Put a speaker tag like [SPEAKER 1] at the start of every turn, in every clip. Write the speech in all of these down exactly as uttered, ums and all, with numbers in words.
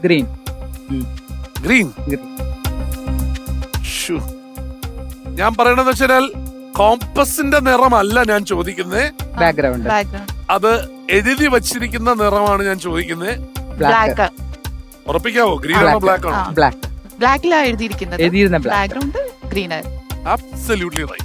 [SPEAKER 1] Green.
[SPEAKER 2] Green. ഞാൻ പറയണെന്ന് വെച്ചാൽ കോമ്പസിന്റെ നിറമല്ല ഞാൻ ചോദിക്കുന്നത്,
[SPEAKER 1] ബാക്ക്ഗ്രൗണ്ട്.
[SPEAKER 2] അത് എഴുതി വച്ചിരിക്കുന്ന നിറമാണ് ഞാൻ ചോദിക്കുന്നത്.
[SPEAKER 3] ബ്ലാക്ക്.
[SPEAKER 2] ഉറപ്പിക്കാവോ? ഗ്രീൻ ആണോ ബ്ലാക്ക് ആണോ?
[SPEAKER 1] ബ്ലാക്ക്.
[SPEAKER 3] ബ്ലാക്കിലാണ് എഴുതിയിരിക്കുന്നത്.
[SPEAKER 1] എഴുതിയിരുന്ന ബ്ലാക്ക്.
[SPEAKER 3] ബാക്ക്ഗ്രൗണ്ട് ഗ്രീൻ ആയിരുന്നു.
[SPEAKER 2] Absolutely right.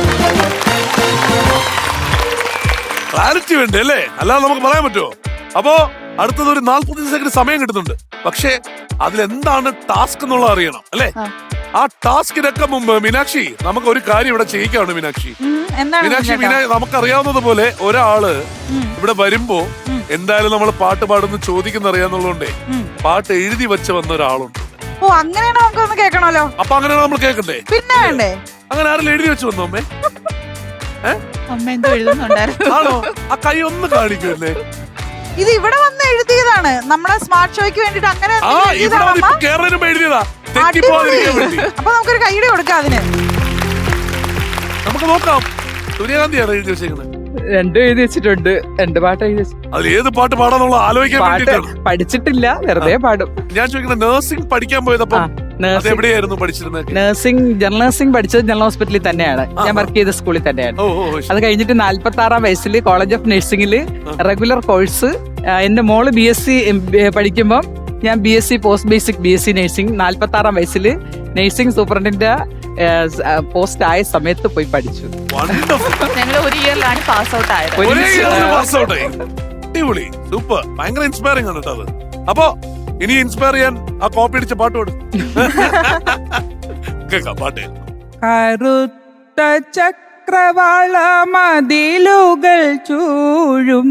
[SPEAKER 2] ക്ലാരിറ്റി വേണ്ടേ അല്ലേ? അല്ലാതെ നമുക്ക് പറയാൻ പറ്റുമോ? അപ്പോ അടുത്തത് ഒരു നാല്പത്തി സെക്കൻഡ് സമയം കിട്ടുന്നുണ്ട്. പക്ഷേ അതിലെന്താണ് ടാസ്ക് എന്നുള്ളത് അറിയണം അല്ലേ? ആ ടാസ്കിനൊക്കെ മുമ്പ് മീനാക്ഷി നമുക്ക് ഒരു കാര്യം ഇവിടെ ചെയ്യിക്കാണ്. മീനാക്ഷി മീനാക്ഷി മീനാ നമുക്കറിയാവുന്നത് പോലെ ഒരാള് ഇവിടെ വരുമ്പോ എന്തായാലും നമ്മൾ പാട്ട് പാടുന്ന ചോദിക്കുന്ന അറിയാന്നുള്ളതുകൊണ്ടേ പാട്ട് എഴുതി വെച്ച് വന്ന ഒരാളുണ്ട്.
[SPEAKER 4] ഓ അങ്ങനെയാണ്, നമുക്കൊന്ന് കേൾക്കണല്ലോ.
[SPEAKER 2] അപ്പൊ അങ്ങനെയാണ് നമ്മൾ കേൾക്കണ്ടേ?
[SPEAKER 4] പിന്നെ വേണ്ടേ?
[SPEAKER 2] അങ്ങനെ ആരെങ്കിലും എഴുതി വെച്ച് വന്നോ അമ്മേ?
[SPEAKER 3] അമ്മ എന്തോ എഴുതുന്നുണ്ടായിരുന്നു.
[SPEAKER 2] ആണോ? ആ കൈ ഒന്ന് കാണിക്കുമല്ലേ?
[SPEAKER 4] ഇത് ഇവിടെ വന്ന് എഴുതിയതാണ് നമ്മുടെ സ്മാർട്ട് ഷോയ്ക്ക് വേണ്ടിട്ട്. അങ്ങനെ
[SPEAKER 2] ആ ഇവിടെ വന്ന് ഇപ്പൊ കേരളനും എഴുതിയതാ. തെറ്റിപ്പോവാതിരിക്കാൻ വേണ്ടി.
[SPEAKER 4] അപ്പൊ നമുക്കൊരു കൈയുടെ കൊടുക്കാം അതിന്.
[SPEAKER 2] നമുക്ക് നോക്കാം. സൂര്യകാന്തിയാണ് എഴുതി വെച്ചേക്കുന്നത്.
[SPEAKER 1] രണ്ടും എഴുതി വെച്ചിട്ടുണ്ട്. രണ്ട് പാട്ട് എഴുതി വെച്ചു.
[SPEAKER 2] അതിൽ ഏത് പാട്ട് പാടാന്നുള്ള ആലോചിക്കാൻ
[SPEAKER 1] പാട്ട്
[SPEAKER 2] വേണ്ടിട്ടാണ്.
[SPEAKER 1] പഠിച്ചിട്ടില്ല, വെറുതെ പാടും.
[SPEAKER 2] ഞാൻ ചോദിക്കുന്നത് നഴ്സിംഗ് പഠിക്കാൻ പോയതപ്പം എവിടെയായിരുന്നു പഠിച്ചിരുന്നത്?
[SPEAKER 1] നഴ്സിംഗ് ജനറൽ നഴ്സിംഗ് പഠിച്ചത് ജനറൽ ഹോസ്പിറ്റലിൽ തന്നെയാണ്. ഞാൻ വർക്ക് ചെയ്ത സ്കൂളിൽ തന്നെയാണ്. അത് കഴിഞ്ഞിട്ട് നാല്പത്തി ആറാം വയസ്സിൽ കോളേജ് ഓഫ് നഴ്സിംഗിൽ റെഗുലർ കോഴ്സ്. എന്റെ മോള് ബി എസ് സി പഠിക്കുമ്പോൾ ഞാൻ B S C post basic B S C nursing നാല്പത്തി ആറാം വയസ്സിൽ നഴ്സിംഗ് സൂപ്രണ്ടിന്റെ പോസ്റ്റ് ആയ സമയത്ത് പോയി പഠിച്ചു.
[SPEAKER 3] ഞങ്ങൾ ഒരു ഇയറിലാണ് പാസ് ഔട്ട് ആയത്.
[SPEAKER 2] അടിപൊളി, സൂപ്പർ, ഭയങ്കര ഇൻസ്പയറിംഗ് ആണ് കേട്ടോ അത്. അപ്പൊ ഇനി ഇൻസ്പയർ ചെയ്യാൻ ആ കോപ്പി അടിച്ച പാട്ട് പാടും. കേൾക്കാം പാട്ട്.
[SPEAKER 1] കറുത്ത ചക്രവാള മതിലുകൾ ചൂഴും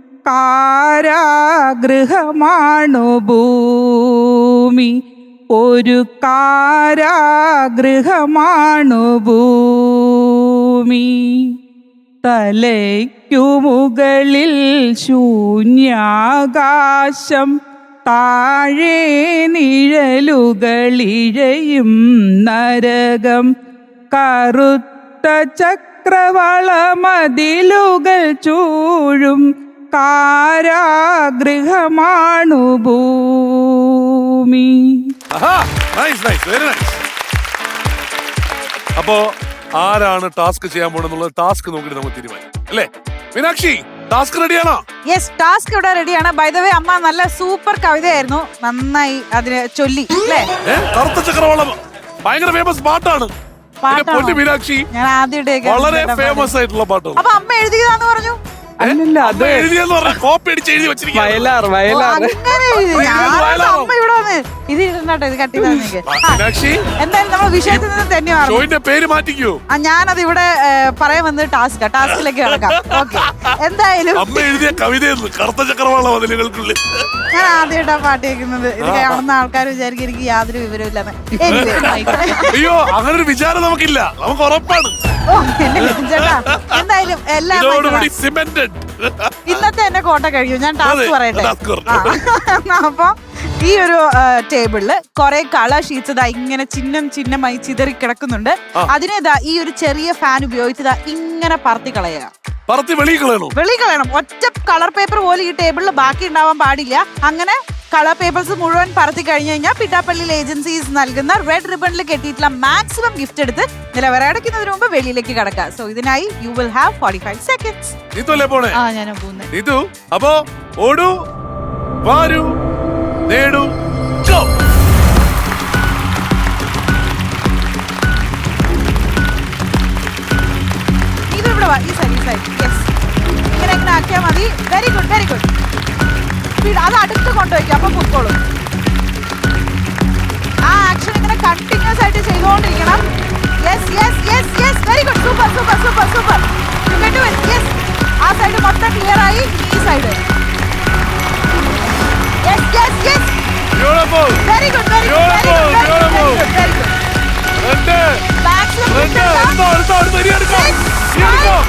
[SPEAKER 1] കാരാഗൃഹമാണു ഭൂമി, ഒരു കാരാഗൃഹമാണു ഭൂമി. തലയ്ക്കു മുകളിൽ ശൂന്യാകാശം, താഴെ നിഴലുകളിഴയും നരകം. കറുത്ത ചക്രവാള മതിലുകൾ ചൂഴും കാരാഗൃഹമാണു ഭൂമി.
[SPEAKER 2] അപ്പോ ആരാണ് ടാസ്ക് ചെയ്യാൻ പോണെന്നുള്ളത് ടാസ്ക് നോക്കിട്ട് നമുക്ക് തീരുമാനിക്കാം അല്ലേ? മീനാക്ഷി ടാസ്ക് റെഡിയാണോ?
[SPEAKER 4] യെസ്, ടാസ്ക് ഇവിടെ റെഡിയാണ്. ബൈ ദ വേ അമ്മ നല്ല സൂപ്പർ കവിതയായിരുന്നു, നന്നായി അതിന് ചൊല്ലി അല്ലേ?
[SPEAKER 2] കറുത്ത ചക്രവാളം ഭയങ്കര ഫേമസ് പാട്ടാണ്. മീനാക്ഷി
[SPEAKER 4] ഞാൻ ആദ്യമായിട്ട്
[SPEAKER 2] വളരെ ഫേമസ് ആയിട്ടുള്ള പാട്ടാണ്.
[SPEAKER 4] അപ്പൊ അമ്മ എഴുതിയതാന്ന് പറഞ്ഞു.
[SPEAKER 1] അല്ലല്ല, അത്
[SPEAKER 2] എഴുതിയെന്ന് പറഞ്ഞ കോപ്പി അടിച്ച് എഴുതി വെച്ചിരിക്കുക.
[SPEAKER 1] വയലാർ വയലാർ
[SPEAKER 4] അങ്ങനെ എഴുതി. ഞാൻ അമ്മ ഇവിടെ വന്ന് ഇത് ഇരുന്നോട്ടെ, ഇത് കട്ടി തന്നെ. എന്തായാലും നമ്മൾ വിഷയത്തിൽ നിന്ന് തന്നെ
[SPEAKER 2] ഷോയിന്റെ പേര് മാറ്റിക്കോ.
[SPEAKER 4] ആ ഞാനത് ഇവിടെ പറയാൻ വന്നത് ടാസ്ക് ടാസ്കിലേക്ക് കിടക്കാം. ഓക്കെ, എന്തായാലും
[SPEAKER 2] അമ്മ എഴുതിയ കവിതയെന്ന് കറുത്ത ചക്രവാള മതിലുകൾക്കുള്ളിൽ.
[SPEAKER 4] ഞാൻ ആദ്യമായിട്ടാ പാട്ട് കേൾക്കുന്നത്. ഇത് കാണുന്ന ആൾക്കാർ വിചാരിക്കും എനിക്ക് യാതൊരു വിവരമില്ലെന്ന്.
[SPEAKER 2] അയ്യോ, അങ്ങനെ ഒരു വിചാരം നമുക്കില്ല, നമുക്ക് ഉറപ്പാണ്.
[SPEAKER 4] ഓ എന്റെ ചേട്ടാ, എന്തായാലും എല്ലാം ഇന്നത്തെ എന്റെ കോട്ട കഴിയും. ഞാൻ ടാസ്ക് പറയട്ടെ. അപ്പൊ ഈ ഒരു ടേബിളില് കുറെ കളർ ഷീറ്റ്സ് ഇതാ ഇങ്ങനെ ചിഹ്നം ചിഹ്നമായി ചിതറി കിടക്കുന്നുണ്ട്. അതിനെ ഇതാ ഈ ഒരു ചെറിയ ഫാൻ ഉപയോഗിച്ചതാ ഇങ്ങനെ പറത്തി കളയുക. വെളി കളയണം. ഒറ്റ കളർ പേപ്പർ പോലും ഈ ടേബിളിൽ ബാക്കി ഉണ്ടാവാൻ പാടില്ല. അങ്ങനെ കളർ പേപ്പേഴ്സ് മുഴുവൻ പറത്തി കഴിഞ്ഞു കഴിഞ്ഞാൽ പിട്ടാപ്പള്ളി ഏജൻസീസ് നൽകുന്ന റെഡ് റിബണിൽ കെട്ടിയിട്ടുള്ള മാക്സിമം ഗിഫ്റ്റ് എടുത്ത് നിലവറടക്കുന്നതിന് മുമ്പ് വെളിയിലേക്ക് കടക്കുക. സോ ഇതിനായി you will have forty five seconds.
[SPEAKER 3] ആ ഞാനാ പോകുന്നത്.
[SPEAKER 2] അപ്പോ ഓടൂ, വാരൂ, നേടൂ, ഗോ.
[SPEAKER 4] ഇത് ഇവിടെ വാ, ഈ സൈഡ്, ഈ സൈഡ്. യെസ്, ഇങ്ങനെ ഇങ്ങനെ ആക്കിയാൽ മതി. Very good, very good. അത് അടുത്ത് കൊണ്ടുവയ്ക്കുക, അപ്പൊ പൊക്കോളും. ആ ആക്ഷൻ ഇങ്ങനെ കണ്ടിന്യൂസ് ആയിട്ട് ചെയ്തുകൊണ്ടിരിക്കണം. Yes yes yes yes very good, super super super super. You can do it. Yes, ആ സൈഡ് മൊത്തം ക്ലിയർ ആയി. ഈ side. Yes yes yes
[SPEAKER 2] beautiful,
[SPEAKER 4] very good, very good, very good, very good.
[SPEAKER 2] രണ്ട്
[SPEAKER 4] maximum
[SPEAKER 2] രണ്ട് അടുത്ത അടുത്ത അടുത്ത ഇനി എടുക്കാം, ഇനി എടുക്കാം.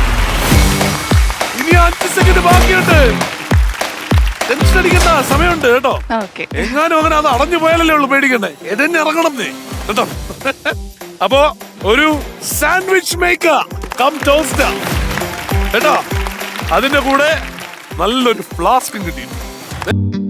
[SPEAKER 2] ഇനി അഞ്ച് സെക്കൻഡ് ബാക്കിയുണ്ട്. ടെൻഷൻ അടിക്കണ്ട, സമയമുണ്ട് കേട്ടോ. എങ്ങാനും അങ്ങനെ അത് അടഞ്ഞു പോയാലല്ലേ ഉള്ളു പേടിക്കണ്ടേ. എന്നെ ഇറങ്ങണം കേട്ടോ. അപ്പോ ഒരു സാൻഡ്വിച്ച് മേക്കർ കം ടോസ്റ്റർ കേട്ടോ. അതിന്റെ കൂടെ നല്ലൊരു ഫ്ലാസ്കും കിട്ടി.